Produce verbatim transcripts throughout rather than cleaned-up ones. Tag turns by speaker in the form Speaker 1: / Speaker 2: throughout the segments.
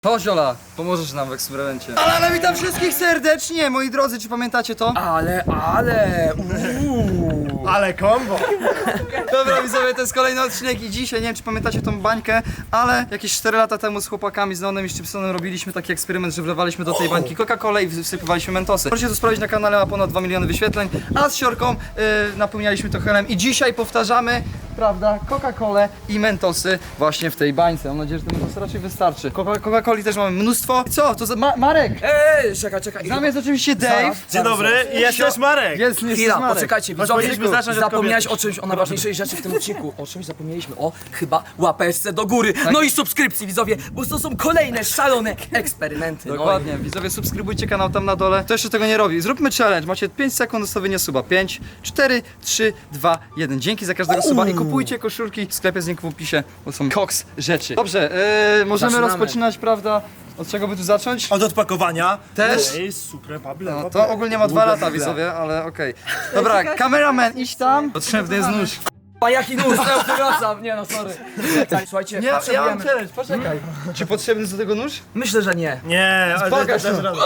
Speaker 1: To Ziola, pomożesz nam w eksperymencie. Ale, ale witam wszystkich serdecznie, moi drodzy, czy pamiętacie to?
Speaker 2: Ale, ale, uuu.
Speaker 3: Ale kombo!
Speaker 1: Dobra widzowie, to jest kolejny odcinek i dzisiaj, nie wiem czy pamiętacie tą bańkę, ale jakieś cztery lata temu z chłopakami, z Nonem i Szczypsonem robiliśmy taki eksperyment, że wlewaliśmy do tej bańki Coca-Colę i wsypywaliśmy mentosy. Możecie to sprawdzić na kanale, ma ponad dwa miliony wyświetleń, a z Siorką yy, napełnialiśmy to helem i dzisiaj powtarzamy, prawda, Coca-Colę i mentosy właśnie w tej bańce. Mam nadzieję, że te mentosy raczej wystarczy. Coca- Coca-Coli też mamy mnóstwo. Co? To za Ma Marek!
Speaker 2: Ej, czekaj, czekaj.
Speaker 1: Z nami jest oczywiście Dave.
Speaker 3: Dzień dobry, i jest też Marek!
Speaker 1: Jest, jest
Speaker 2: Chwila,
Speaker 1: Marek.
Speaker 2: poczekajcie, widzowie,
Speaker 3: powinniśmy zacząć od
Speaker 2: zapomniałeś
Speaker 3: kobiety.
Speaker 2: o czymś, o najważniejszej rzeczy w tym odcinku. O czymś zapomnieliśmy, o chyba łapeczce do góry. No i subskrypcji, widzowie, bo to są kolejne szalone eksperymenty.
Speaker 1: Dokładnie, widzowie, subskrybujcie kanał tam na dole. Kto jeszcze tego nie robi? Zróbmy challenge. Macie pięć sekund do stawienia suba. pięć, cztery, trzy, dwa, jeden. Dzięki za każdego suba i kupujcie koszulki w sklepie z linku w opisie, bo są koks rzeczy. Dobrze, yy, możemy
Speaker 2: Zaczynamy.
Speaker 1: rozpoczynać, prawda? Od czego by tu zacząć?
Speaker 3: Od odpakowania.
Speaker 1: Też?
Speaker 3: Ej, super, Pablo.
Speaker 1: No to ogólnie ma dwa lata, widzowie, ale okej. Dobra, kameraman, idź tam. Potrzebny jest nóż.
Speaker 2: A jaki nóż, ja przepraszam, nie no, sorry. Tak, słuchajcie,
Speaker 1: Nie, ja mam
Speaker 2: potrzebujemy...
Speaker 1: challenge, poczekaj. Czy potrzebny jest do tego nóż?
Speaker 2: Myślę, że nie.
Speaker 3: Nie, ale
Speaker 1: Pokaż
Speaker 3: dasz
Speaker 1: to.
Speaker 3: radę.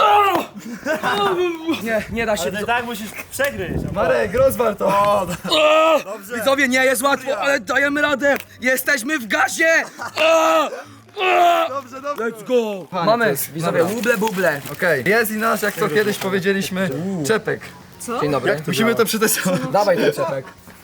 Speaker 2: Nie, nie da się.
Speaker 3: Ale tak musisz przegryźć.
Speaker 1: Marek, rozwal to.
Speaker 3: O, dobrze.
Speaker 2: Widzowie, nie jest łatwo, ale dajemy radę. Jesteśmy w gazie. O! O!
Speaker 1: Dobrze, dobrze.
Speaker 2: Let's go.
Speaker 1: Panie, to
Speaker 2: Mamy,
Speaker 1: jest-
Speaker 2: widzowie,
Speaker 1: dobra.
Speaker 2: buble, buble.
Speaker 1: Okej, jest i nasz, jak to kiedyś powiedzieliśmy, czepek.
Speaker 2: Dzień dobry.
Speaker 1: Musimy to przetestować.
Speaker 2: Dawaj ten czepek.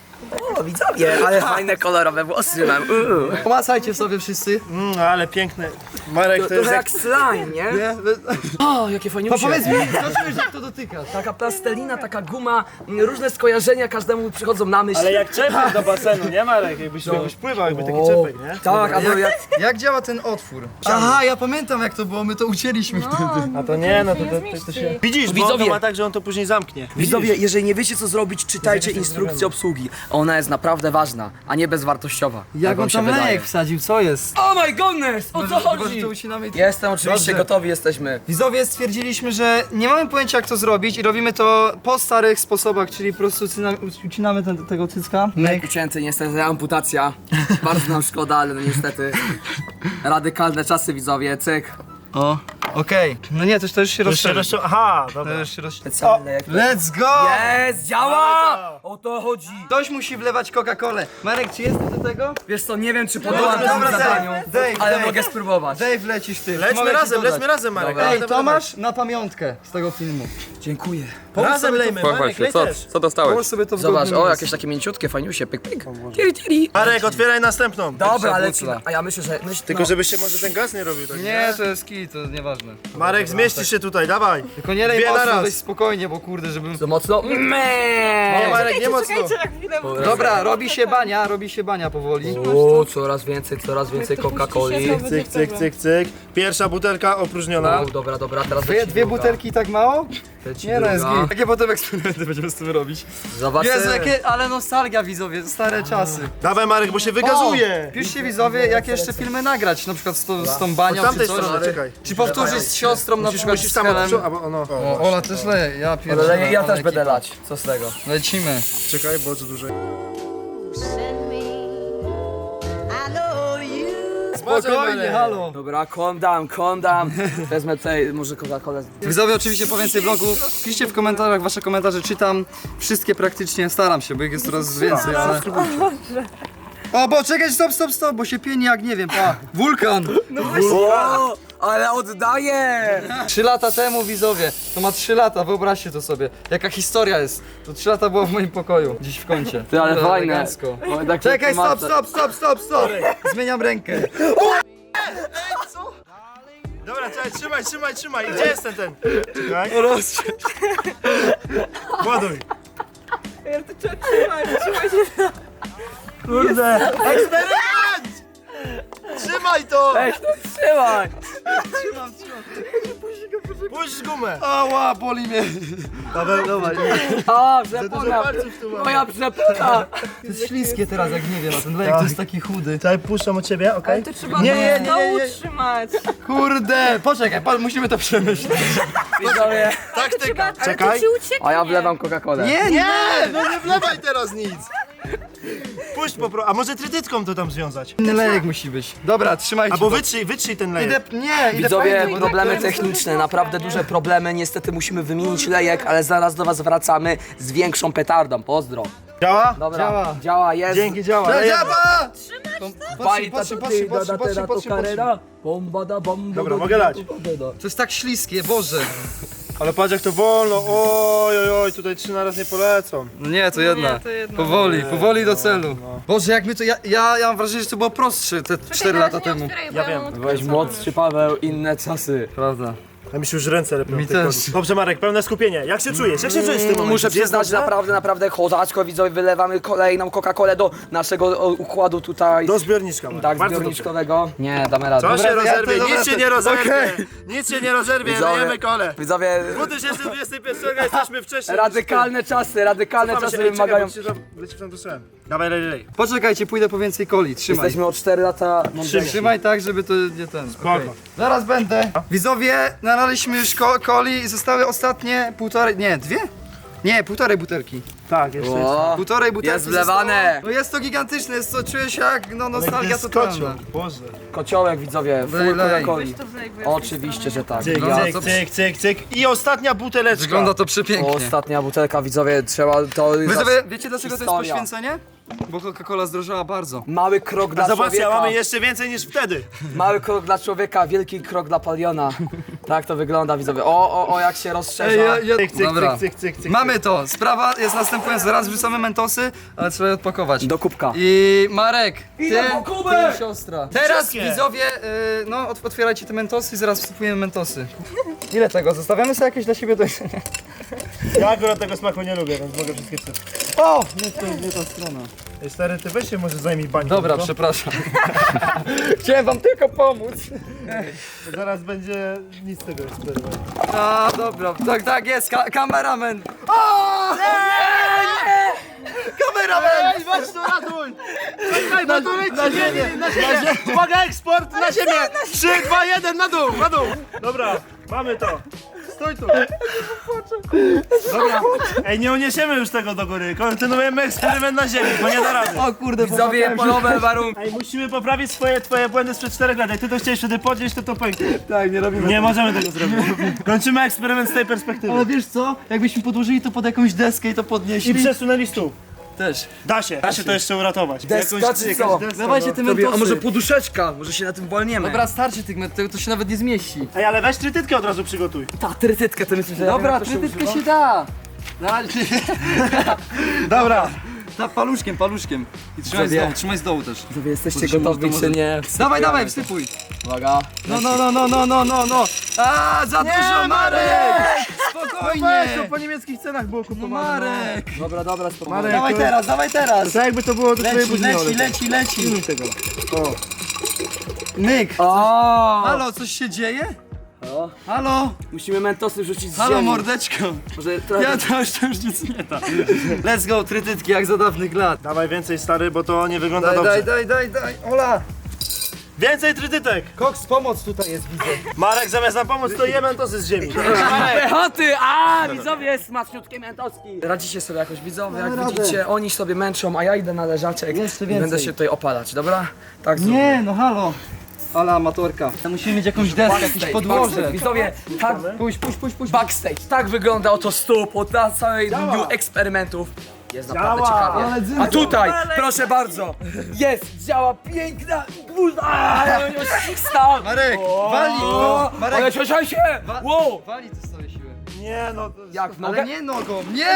Speaker 2: O, widzowie, ale fajne kolorowe włosy mam. Uuu.
Speaker 1: Pomacajcie sobie wszyscy.
Speaker 3: Mm, ale piękny. Marek to jest
Speaker 2: Trochę
Speaker 3: jak...
Speaker 2: jak slime, nie?
Speaker 1: Nie?
Speaker 2: O, jakie
Speaker 1: To
Speaker 2: fajniusie.
Speaker 1: powiedz mi, co czujesz, jak to dotykasz?
Speaker 2: Taka plastelina, taka guma, m, różne skojarzenia każdemu przychodzą na myśl.
Speaker 3: Ale jak czepek do basenu, nie Marek? Jakbyś, jakbyś pływał, jakby taki
Speaker 2: O,
Speaker 3: czepek, nie?
Speaker 2: Tak, albo jak...
Speaker 1: Jak działa ten otwór? Aha, ja pamiętam jak to było, my to ucięliśmy wtedy.
Speaker 3: A to nie, no to, to, to, to się... Widzisz, bo
Speaker 2: Widzowie.
Speaker 3: to ma tak, że on to później zamknie.
Speaker 2: Widzowie, jeżeli nie wiecie co zrobić, czytajcie instrukcję obsługi. Ona jest naprawdę ważna, a nie bezwartościowa.
Speaker 1: Jak
Speaker 2: wam
Speaker 1: on tam lejek wsadził, co jest?
Speaker 2: Oh my goodness, o co
Speaker 1: Chyba, że
Speaker 2: chodzi?
Speaker 1: to ucinamy...
Speaker 2: Jestem oczywiście,
Speaker 1: Dobrze.
Speaker 2: gotowi jesteśmy.
Speaker 1: Widzowie, stwierdziliśmy, że nie mamy pojęcia jak to zrobić i robimy to po starych sposobach, czyli po prostu ucinamy, ucinamy ten, tego cycka.
Speaker 2: Myk ucięty, niestety amputacja. Bardzo nam szkoda, ale no niestety. Radykalne czasy, widzowie, cyk.
Speaker 1: O, okej. No nie, to, to już się
Speaker 3: To już się
Speaker 1: rozszerzy.
Speaker 3: rozcią... Aha,
Speaker 1: To
Speaker 3: dobra.
Speaker 1: już się rozszerzy.
Speaker 2: Specjalne jak...
Speaker 1: Let's go!
Speaker 2: Jest, działa! O to chodzi.
Speaker 1: Ktoś musi wlewać Coca-Colę. Marek, czy jesteś do tego?
Speaker 2: Wiesz co, nie wiem czy podołam
Speaker 1: Dobra,
Speaker 2: temu
Speaker 1: Dave,
Speaker 2: zadaniu,
Speaker 1: Dave,
Speaker 2: ale
Speaker 1: Dave.
Speaker 2: mogę spróbować.
Speaker 1: Dave, lecisz ty.
Speaker 3: Lećmy
Speaker 1: Mogę ci
Speaker 3: razem,
Speaker 1: dodać.
Speaker 3: lećmy razem, Marek.
Speaker 2: Dobra.
Speaker 1: Ej,
Speaker 3: Dawaj,
Speaker 1: to
Speaker 3: dawaj.
Speaker 1: masz na pamiątkę z tego filmu.
Speaker 2: Dziękuję.
Speaker 3: Razem lejmy, Marek,
Speaker 4: Pochwal się,
Speaker 3: lej
Speaker 4: co,
Speaker 3: też.
Speaker 4: co dostałeś?
Speaker 1: Połóż sobie to w
Speaker 2: Zobacz,
Speaker 1: godnym
Speaker 2: o
Speaker 1: miejscu.
Speaker 2: jakieś takie mięciutkie, fajniusie, pyk pyk. Tiri tiri.
Speaker 3: Marek, otwieraj następną.
Speaker 2: Dobra, ale
Speaker 1: bucla.
Speaker 2: a ja myślę, że... Myśl,
Speaker 3: Tylko żebyś się może ten gaz nie robił tak.
Speaker 1: Nie, to jest kij, to nieważne.
Speaker 3: Marek, zmieścisz się tutaj, dawaj.
Speaker 1: Tylko nie lej
Speaker 3: Dwie na
Speaker 1: mocno,
Speaker 3: raz.
Speaker 1: weź spokojnie, bo kurde, żebym...
Speaker 2: To mocno?
Speaker 3: Nie,
Speaker 2: Meee.
Speaker 3: Marek, nie mocno.
Speaker 1: Dobra, robi się bania, robi się bania powoli.
Speaker 2: O, coraz więcej, coraz więcej Coca-Coli.
Speaker 3: Cyk, cyk, cyk, cyk. Pierwsza butelka opróżniona.
Speaker 2: O, dobra, dobra, teraz
Speaker 1: Dwie,
Speaker 2: leci
Speaker 1: dwie
Speaker 2: druga.
Speaker 1: butelki tak mało?
Speaker 2: Leci
Speaker 1: Nie no, jest
Speaker 2: druga.
Speaker 1: git. Jakie potem eksperymenty będziemy z tym robić?
Speaker 2: Zobaczymy.
Speaker 1: Jezu, jakie, ale nostalgia widzowie, stare czasy.
Speaker 3: Dawaj Marek, bo się
Speaker 1: O,
Speaker 3: wygazuje.
Speaker 1: piszcie widzowie, jak jeszcze filmy nagrać, na przykład z, to, z tą
Speaker 3: Od
Speaker 1: banią czy
Speaker 3: tamtej
Speaker 1: coś.
Speaker 3: strony, czekaj.
Speaker 1: Czy powtórzyć z siostrą na
Speaker 3: Musisz,
Speaker 1: przykład
Speaker 3: musisz
Speaker 1: z
Speaker 3: tam
Speaker 1: Helem.
Speaker 3: od przodu, albo ono.
Speaker 1: O, Ola też leje, ja
Speaker 2: Ale
Speaker 1: pierdolę.
Speaker 2: ja, ja
Speaker 1: ale
Speaker 2: też będę
Speaker 1: ekipa.
Speaker 2: lać, co z tego?
Speaker 1: Lecimy.
Speaker 3: Czekaj, bo co dłużej.
Speaker 5: Send me. I know you.
Speaker 1: Spokojnie, halo.
Speaker 2: Dobra, calm down, calm down. Wezmę tutaj może Coca-Colę.
Speaker 1: Widzowie, oczywiście po więcej vlogów, piszcie w komentarzach, wasze komentarze czytam. Wszystkie praktycznie, staram się, bo ich jest coraz więcej, ale... O, bo czekaj, stop, stop, stop, bo się pieni jak nie wiem, pa. Wulkan.
Speaker 2: O, ale oddaję!
Speaker 1: Trzy lata temu, widzowie, to ma trzy lata, wyobraźcie to sobie. Jaka historia jest. To trzy lata było w moim pokoju, gdzieś w kącie.
Speaker 2: Ty, ale
Speaker 1: Dobra,
Speaker 2: fajne.
Speaker 1: elegancko.
Speaker 2: O, tak
Speaker 1: Czekaj, stop,
Speaker 2: tłumaczę.
Speaker 1: stop, stop, stop, stop. Zmieniam rękę.
Speaker 3: Dobra, czekaj, trzymaj, trzymaj, trzymaj. Gdzie jest ten ten? Czekaj. Ładuj. Kurde. Eksperyment! Trzymaj to!
Speaker 2: Weź to trzymaj!
Speaker 3: Puść gumę.
Speaker 1: Ała, boli mnie.
Speaker 3: Dawaj, dawaj.
Speaker 2: A,
Speaker 3: Dużo
Speaker 2: przepona!
Speaker 3: palców tu mam.
Speaker 2: Moja przepona!
Speaker 1: To jest śliskie teraz, jak nie wiem, a ten lejek to jest taki chudy.
Speaker 3: Czekaj, puszczam od ciebie, okej?
Speaker 6: To trzeba
Speaker 3: Nie,
Speaker 6: nie,
Speaker 3: nie, nie, nie, nie.
Speaker 6: utrzymać.
Speaker 1: Kurde, poczekaj, pa, musimy to przemyśleć.
Speaker 2: Widzowie.
Speaker 3: Taktyka.
Speaker 6: Ale to
Speaker 3: Czekaj.
Speaker 6: ci ucieknie.
Speaker 2: A ja wlewam Coca-Colę.
Speaker 1: Nie, nie!
Speaker 3: Nie, no nie wlewaj teraz nic. Puść po pro... A może trytytką to tam związać?
Speaker 1: Inny lejek musi być. Dobra, trzymajcie.
Speaker 3: Albo
Speaker 1: to.
Speaker 3: wytrzyj, wytrzyj ten lejek.
Speaker 1: Idę, nie, idę
Speaker 2: Widzowie,
Speaker 1: fajnie, bo
Speaker 2: problemy
Speaker 1: tak-
Speaker 2: techniczne, naprawdę duże problemy. Niestety musimy wymienić lejek, ale zaraz do was wracamy z większą petardą. Pozdro.
Speaker 3: Działa?
Speaker 2: Dobra,
Speaker 1: Działa.
Speaker 2: działa, jest.
Speaker 3: Dzięki, działa.
Speaker 1: Dobra,
Speaker 3: lejemy.
Speaker 1: działa!
Speaker 2: Bajta
Speaker 1: Patrzcie,
Speaker 2: tu
Speaker 1: patrzcie,
Speaker 2: ty,
Speaker 1: patrzcie,
Speaker 2: da
Speaker 1: patrzcie,
Speaker 2: da
Speaker 1: patrzcie,
Speaker 2: to
Speaker 1: patrzcie.
Speaker 2: karera. Bomba da bomba.
Speaker 3: Dobra,
Speaker 2: da,
Speaker 3: mogę
Speaker 2: da,
Speaker 3: lać.
Speaker 2: da, da, da.
Speaker 1: To jest tak śliskie, Boże.
Speaker 3: Ale patrz jak to wolno. Oj, oj, oj, tutaj trzy na raz nie polecą.
Speaker 1: No nie, to jedna. Powoli, powoli do celu. Boże, jak my to. Ja, ja, ja mam wrażenie, że to było prostsze te cztery lata temu.
Speaker 3: Ja wiem.
Speaker 2: Byłeś młodszy Paweł, inne czasy.
Speaker 1: Prawda.
Speaker 3: A mi się już ręce lepią.
Speaker 1: Mi
Speaker 3: w tej
Speaker 1: też.
Speaker 3: koli. Dobrze Marek, pełne skupienie. Jak się czujesz? Jak się czujesz w tym momencie?
Speaker 2: Muszę
Speaker 3: Jest
Speaker 2: przyznać,
Speaker 3: dobrze?
Speaker 2: naprawdę, naprawdę kozacko, widzowie, wylewamy kolejną Coca-Colę do naszego o, układu tutaj.
Speaker 3: Do zbiorniczka, Marek.
Speaker 2: Tak,
Speaker 3: Bardzo
Speaker 2: zbiorniczkowego. Nie, damy radę.
Speaker 3: dobrze. Co się
Speaker 1: Dobra, ja
Speaker 3: rozerwie?
Speaker 1: to-
Speaker 3: Nic
Speaker 1: dobra,
Speaker 3: się nie
Speaker 1: to-
Speaker 3: rozerwie.
Speaker 1: okej.
Speaker 3: Nic się nie rozerwie,
Speaker 2: Widzowie.
Speaker 3: lejemy kole.
Speaker 2: Widzowie,
Speaker 3: dwa tysiące dwudziestego pierwszego jesteśmy wcześniej.
Speaker 2: radykalne czasy, radykalne
Speaker 3: Cofamy się,
Speaker 2: czasy
Speaker 3: ej,
Speaker 2: wymagają.
Speaker 3: czekaj, bo ci tam- leci tam do strzałem. Dawaj, lej, lej.
Speaker 1: Poczekajcie, pójdę po więcej coli. Trzymaj.
Speaker 2: Jesteśmy o cztery lata mądrzejsi.
Speaker 1: Trzymaj tak, żeby to nie ten.
Speaker 3: Spoko.
Speaker 1: Okej. Zaraz będę. Widzowie, nalaliśmy już ko coli i zostały ostatnie półtorej. Nie, dwie? Nie, półtorej butelki.
Speaker 3: Tak, jeszcze jest.
Speaker 2: O,
Speaker 1: Półtorej butelki.
Speaker 2: jest wlewane.
Speaker 1: zostało. No jest to gigantyczne, jest to, czuję się jak no, nostalgia totalna.
Speaker 3: Boże.
Speaker 2: Kociołek, widzowie, full
Speaker 1: Lej, lej.
Speaker 2: Coca-Coli. Oczywiście, że tak.
Speaker 3: Cyk,
Speaker 1: No,
Speaker 3: cyk,
Speaker 1: co-
Speaker 3: cyk, cyk, cyk. I ostatnia buteleczka.
Speaker 1: Wygląda to
Speaker 2: O,
Speaker 1: przepięknie.
Speaker 2: ostatnia butelka, widzowie, trzeba to...
Speaker 1: Widzowie, wiecie dlaczego to jest
Speaker 2: historia.
Speaker 1: poświęcenie? Bo Coca-Cola zdrożała bardzo.
Speaker 2: Mały krok dla
Speaker 3: Zobaczcie,
Speaker 2: człowieka.
Speaker 3: mamy jeszcze więcej niż wtedy.
Speaker 2: Mały krok dla człowieka, wielki krok dla paliona. Tak to wygląda, widzowie. O, o, o, jak się rozszerza.
Speaker 1: Ej, ja, ja...
Speaker 3: Cyk, cyk,
Speaker 1: Dobra.
Speaker 3: cyk, cyk, cyk, cyk.
Speaker 1: Mamy to. Sprawa jest następująca. Zaraz wrzucamy mentosy, ale trzeba je odpakować.
Speaker 2: Do kubka.
Speaker 1: I Marek, ty,
Speaker 2: Idę po kubek!
Speaker 1: ty siostra. Teraz
Speaker 3: Wszystkie.
Speaker 1: widzowie, y, no ot- otwierajcie te mentosy i zaraz wsypujemy mentosy. Ile tego? Zostawiamy sobie jakieś dla siebie do jedzenia.
Speaker 3: Ja akurat tego smaku nie lubię, więc mogę wszystkie wsypać.
Speaker 1: O! Nie, to nie ta strona.
Speaker 3: Ej, stary, ty weź się może zajmij bańką.
Speaker 1: Dobra,
Speaker 3: no?
Speaker 1: przepraszam. Chciałem wam tylko pomóc.
Speaker 3: Zaraz będzie nic z tego eksperymentu.
Speaker 1: A, dobra, tak, tak jest, ka kameraman. O! Nie, nie! Kameraman!
Speaker 3: Ej, weź to ratuj! Czekaj, na, to leci, na ziemię, na ziemię! Uwaga, eksport, na ziemię! trzy, dwa, jeden, na dół, na dół! Dobra, mamy to. Stój tu. Dobra, ej, nie uniesiemy już tego do góry. Kontynuujemy eksperyment na ziemi, bo nie da rady.
Speaker 1: O kurde,
Speaker 2: Widzowie, polowe warunki.
Speaker 3: Ej, musimy poprawić swoje, twoje błędy sprzed czterech lat. Jak ty to chciałeś wtedy podnieść, to to pęknie.
Speaker 1: Tak, nie robimy.
Speaker 3: Nie możemy tego zrobić. Kończymy eksperyment z tej perspektywy.
Speaker 1: Ale wiesz co? Jakbyśmy podłożyli to pod jakąś deskę i to
Speaker 3: I
Speaker 1: podnieśli.
Speaker 3: przesunęli stół.
Speaker 1: Też.
Speaker 3: Da się, da się to jeszcze uratować.
Speaker 2: Deska
Speaker 3: Jakąś-
Speaker 2: czy
Speaker 3: jakaś
Speaker 2: co?
Speaker 3: deska,
Speaker 1: Dawajcie
Speaker 3: no.
Speaker 1: te mentosy.
Speaker 2: A może poduszeczka? Może się na tym walniemy.
Speaker 1: Dobra, starczy tych mentosów, to się nawet nie zmieści.
Speaker 3: Ej, ale weź trytytkę od razu przygotuj.
Speaker 2: ta trytytkę, to myślisz, że ja
Speaker 1: Dobra,
Speaker 2: wiem, jak to się
Speaker 1: trytytkę
Speaker 2: używa?
Speaker 1: się da. Na razie.
Speaker 3: Dobra.
Speaker 1: Ta paluszkiem, paluszkiem. I trzymaj z
Speaker 2: Sobie.
Speaker 1: dołu, trzymaj z dołu też.
Speaker 2: Widzowie, jesteście
Speaker 1: Bo to się
Speaker 2: gotowi
Speaker 1: może-
Speaker 2: czy nie?
Speaker 1: Dawaj, dawaj, wsypuj.
Speaker 2: Uwaga.
Speaker 1: No, no, no, no, no, no, no, no. A, za dużo, Marek! Spokojnie.
Speaker 3: Weź, to po niemieckich cenach było
Speaker 1: No,
Speaker 3: kupowane.
Speaker 1: Marek.
Speaker 2: Dobra, dobra, spokojnie.
Speaker 3: Marek.
Speaker 1: Dawaj teraz, dawaj teraz.
Speaker 3: Tak jakby to było do twojej
Speaker 1: Leci,
Speaker 3: buzi.
Speaker 1: leci, leci, leci.
Speaker 3: Pilnuj tego. O.
Speaker 1: Myk.
Speaker 2: O!
Speaker 1: Halo, coś się dzieje?
Speaker 2: O,
Speaker 1: Halo?
Speaker 2: musimy mentosy rzucić z
Speaker 1: Halo,
Speaker 2: ziemi.
Speaker 1: mordeczko.
Speaker 2: Może trochę...
Speaker 1: Ja to już, to już nic nie da. Let's go, trytytki jak za dawnych lat.
Speaker 3: Dawaj więcej stary, bo to nie wygląda
Speaker 1: Daj,
Speaker 3: dobrze.
Speaker 1: daj, daj, daj, daj. Ola.
Speaker 3: Więcej trytytek!
Speaker 1: Koks, pomoc tutaj jest, widzę.
Speaker 3: Marek zamiast nam pomóc, to je mentosy z ziemi.
Speaker 2: Pechoty! A, widzowie, smaczniutkie mentoski. Radzicie sobie jakoś, widzowie, jak
Speaker 1: Damy radę.
Speaker 2: widzicie, oni sobie męczą, a ja idę na leżaczek
Speaker 1: Jeszcze
Speaker 2: i
Speaker 1: więcej.
Speaker 2: będę się tutaj opalać, dobra? Tak zróbmy.
Speaker 1: Nie, no halo. Ala amatorka. Musimy mieć jakąś deskę, jakieś
Speaker 2: Backstage,
Speaker 1: podłoże.
Speaker 2: backstage. Widzowie, tak,
Speaker 1: Puść, puść, puść, puść.
Speaker 2: backstage, tak wygląda oto stół po ta całej
Speaker 3: Działa.
Speaker 2: dniu eksperymentów. Jest naprawdę
Speaker 3: Działa.
Speaker 2: ciekawie.
Speaker 1: Ale dzyndzą.
Speaker 2: A tutaj, proszę bardzo, jest, działa piękna gwóźdź. Stał.
Speaker 1: Marek, wali go.
Speaker 2: Ale
Speaker 1: Marek,
Speaker 2: cieszaj się! Wow!
Speaker 1: wali te swoje siły.
Speaker 3: Nie no, to jest...
Speaker 2: Jak w
Speaker 1: Ale
Speaker 2: nogę?
Speaker 1: nie nogą, nie!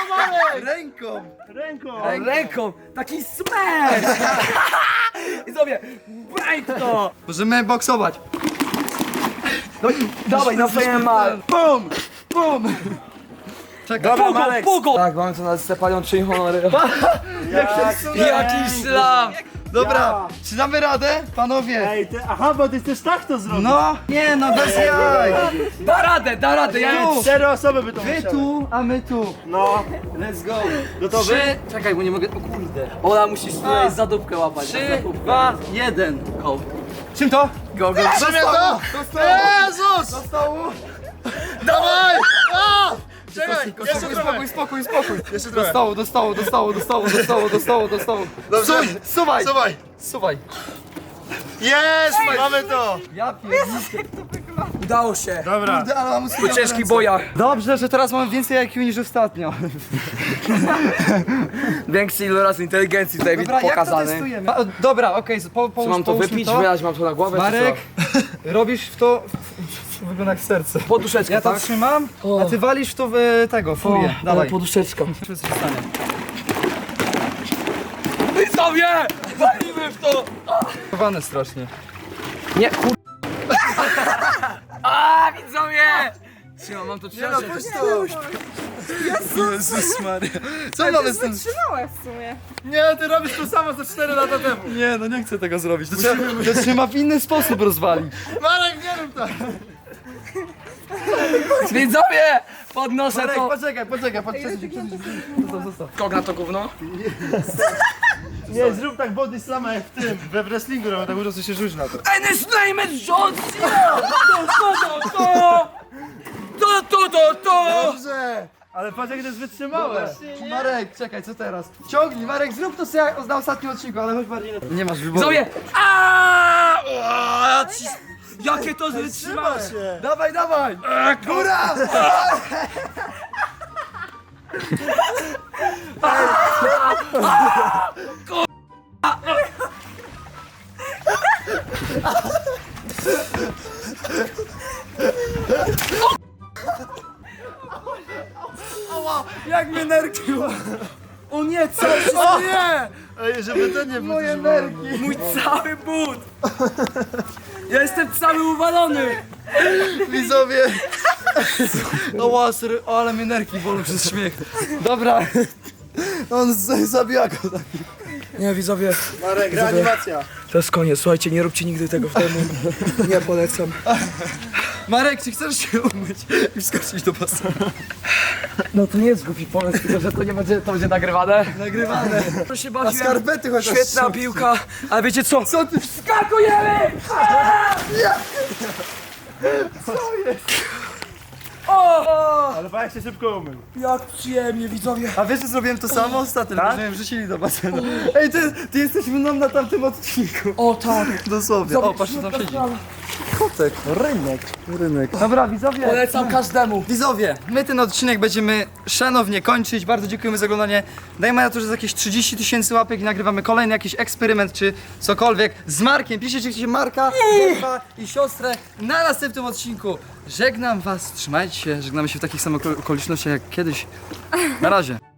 Speaker 1: Ręką.
Speaker 3: Ręką!
Speaker 2: Ręką! Taki smash! Widzowie, bajt to!
Speaker 1: Możemy boksować.
Speaker 2: Dawaj, na F M A!
Speaker 1: Bum, bum. Czekaj.
Speaker 3: Dobra,
Speaker 2: Pugo,
Speaker 3: Marek.
Speaker 2: pugo! Tak, mamy tu na Stepanią czyń honory.
Speaker 3: Jak
Speaker 2: Jaki szlam!
Speaker 1: Dobra, czy damy radę, panowie?
Speaker 3: Ej, ty, aha, bo ty chcesz tak to zrobić.
Speaker 1: No, nie no, bez jaj.
Speaker 2: Da radę, da radę, ja
Speaker 1: Tu.
Speaker 3: Cztery osoby by to
Speaker 1: Wy
Speaker 3: musiały.
Speaker 1: tu, a my tu.
Speaker 3: No,
Speaker 1: Let's go.
Speaker 3: gotowy?
Speaker 1: Trzy, czekaj, bo nie mogę, o kurde.
Speaker 2: Ola, musisz tutaj za dupkę łapać.
Speaker 1: Trzy, dwa, jeden.
Speaker 2: Go.
Speaker 1: Czym to?
Speaker 2: Go, go.
Speaker 3: Trzymaj to!
Speaker 1: Do stołu.
Speaker 3: Jezus!
Speaker 1: Do stołu.
Speaker 3: Dawaj! A! Czekaj!
Speaker 1: Szybko,
Speaker 3: jeszcze
Speaker 1: spokój,
Speaker 3: trochę.
Speaker 1: spokój, spokój, spokój.
Speaker 3: Jeszcze trochę.
Speaker 1: Dostało, dostało, dostało, dostało, dostało, dostało, dostało.
Speaker 3: Dobrze.
Speaker 1: Suj, suwaj,
Speaker 3: Suwaj.
Speaker 1: suwaj.
Speaker 3: Jest! Mamy to!
Speaker 1: Ja pierdolę.
Speaker 2: Udało się.
Speaker 3: Dobra.
Speaker 1: Kurde, ale mam
Speaker 2: Po ciężkich bojach.
Speaker 1: Dobrze, że teraz mam więcej I Q niż ostatnio.
Speaker 2: Większy iloraz inteligencji tutaj
Speaker 1: Dobra, jak to
Speaker 2: pokazany.
Speaker 1: testujemy? A, dobra, okej, okay, po,
Speaker 2: Czy
Speaker 1: połóż,
Speaker 2: mam to
Speaker 1: połóżmy
Speaker 2: wypić,
Speaker 1: to.
Speaker 2: wylać, mam to na głowę,
Speaker 1: Marek,
Speaker 2: czy
Speaker 1: robisz w to... Wygląda jak serce.
Speaker 2: co? Poduszeczka,
Speaker 1: Ja to
Speaker 2: tak?
Speaker 1: trzymam,
Speaker 2: O.
Speaker 1: a ty walisz w to w tego, furię. Dawaj.
Speaker 2: Poduszeczką.
Speaker 1: Co się stanie?
Speaker 2: Widzowie! Walimy w to!
Speaker 1: Chowane strasznie.
Speaker 2: Nie, kur... A, widzowie! Trzymam, mam to trzymać.
Speaker 1: Jezus Maria. Co mamy z tym?
Speaker 4: Wytrzymałe w sumie.
Speaker 3: Nie, ty robisz to samo co cztery lata temu.
Speaker 1: Nie, no nie chcę tego zrobić. To trzeba, to trzeba w inny sposób rozwalić.
Speaker 3: Marek, nie rób tak.
Speaker 2: Widzowie! Podnoszę
Speaker 1: Marek,
Speaker 2: to.
Speaker 1: poczekaj, poczekaj, poczekaj. Zostaw, zostaw.
Speaker 2: Kog na to gówno?
Speaker 3: Nie, zrób tak body slama jak w tym, we wrestlingu, robią tak po prostu się rzuć na to.
Speaker 2: And his name is John Cena! To, to, to, to! To, to, to, to!
Speaker 3: Dobrze! Ale patrz jak to jest wytrzymałe.
Speaker 1: Marek, czekaj, co teraz? Ciągnij, Marek, zrób to co ja na ostatnim odcinku, ale chodź bardziej na... Nie masz wyboru.
Speaker 2: Widzowie! Aaaa! O, ja ci- Jakie to
Speaker 3: Trzyma
Speaker 2: wytrzymałe!
Speaker 3: się.
Speaker 1: Dawaj, dawaj! Góra! Jak mnie nerki!
Speaker 2: O nie, cały
Speaker 3: O nie! Ej, żeby ten nie był
Speaker 1: Moje
Speaker 3: też
Speaker 1: nerki!
Speaker 2: mój cały but! Ja jestem cały uwalony!
Speaker 1: Widzowie! O łaser, o, ale mnie nerki bolą przez śmiech. Dobra. On z- zabija go.
Speaker 2: Nie, widzowie,
Speaker 3: Marek, reanimacja.
Speaker 2: to jest koniec. Słuchajcie, nie róbcie nigdy tego w domu. Nie polecam.
Speaker 1: Marek, czy chcesz się umyć i wskoczyć do basenu?
Speaker 2: No to nie jest głupi pomysł, tylko że to nie będzie, to będzie nagrywane.
Speaker 1: Nagrywane.
Speaker 2: To się
Speaker 1: A
Speaker 2: bawiłem.
Speaker 1: skarpety chociaż
Speaker 2: Świetna
Speaker 1: są.
Speaker 2: piłka, ale wiecie co?
Speaker 1: Co ty?
Speaker 2: Skakujemy! O!
Speaker 3: Ale patrz jak się szybko umył.
Speaker 2: Jak przyjemnie, widzowie.
Speaker 1: A wiesz, że zrobiłem to samo ostatnio, tak? że mnie wrzucili do basenu. Ej, ty, ty jesteś mną na tamtym odcinku.
Speaker 2: O tak.
Speaker 1: Dosłownie. O, patrz, co tam siedzi. Kotek, rynek. Rynek. Dobra, widzowie.
Speaker 2: Polecam każdemu.
Speaker 1: Widzowie, my ten odcinek będziemy szanownie kończyć. Bardzo dziękujemy za oglądanie. Dajmy na to, że jest jakieś trzydzieści tysięcy łapek i nagrywamy kolejny jakiś eksperyment czy cokolwiek z Markiem. Piszcie, czy chcecie Marka, Ewa i siostrę na następnym odcinku. Żegnam was, trzymajcie się, żegnamy się w takich samych okolicznościach jak kiedyś. Na razie.